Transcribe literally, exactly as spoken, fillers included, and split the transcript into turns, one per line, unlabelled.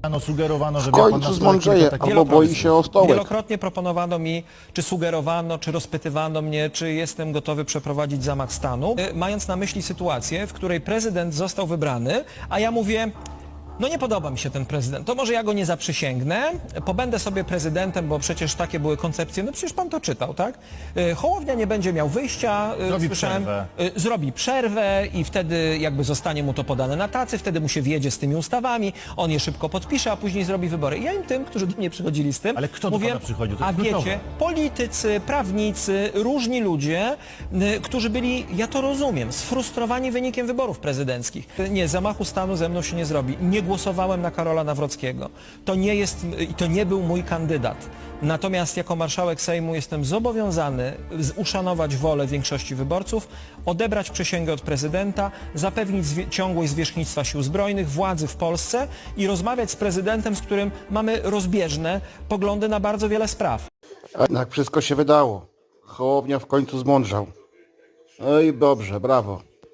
Ano sugerowano, że
W końcu zmądrzeje, albo boi się o stołek.
Wielokrotnie proponowano mi, czy sugerowano, czy rozpytywano mnie, czy jestem gotowy przeprowadzić zamach stanu, y, mając na myśli sytuację, w której prezydent został wybrany, a ja mówię, no nie podoba mi się ten prezydent, to może ja go nie zaprzysięgnę, pobędę sobie prezydentem, bo przecież takie były koncepcje, no przecież pan to czytał, tak? Y, Hołownia nie będzie miał wyjścia, y,
Zrobi
słyszałem,
przerwę.
y, zrobi przerwę i wtedy jakby zostanie mu to podane na tacy, wtedy mu się wjedzie z tymi ustawami, on je szybko podpisze, a później zrobi wybory. I ja im tym, którzy do mnie przychodzili z tym,
Ale kto do
mówię,
pana przychodził? To
a
jest
wiecie,
kluczowe.
politycy, prawnicy, różni ludzie, y, którzy byli, ja to rozumiem, sfrustrowani wynikiem wyborów prezydenckich. Nie, zamachu stanu ze mną się nie zrobi. Nie głosowałem na Karola Nawrockiego. To nie jest, i to nie był mój kandydat. Natomiast jako marszałek Sejmu jestem zobowiązany z- uszanować wolę większości wyborców, odebrać przysięgę od prezydenta, zapewnić zwie- ciągłość zwierzchnictwa Sił Zbrojnych, władzy w Polsce i rozmawiać z prezydentem, z którym mamy rozbieżne poglądy na bardzo wiele spraw.
A jednak wszystko się wydało. Hołownia w końcu zmądrzał. No i dobrze, brawo.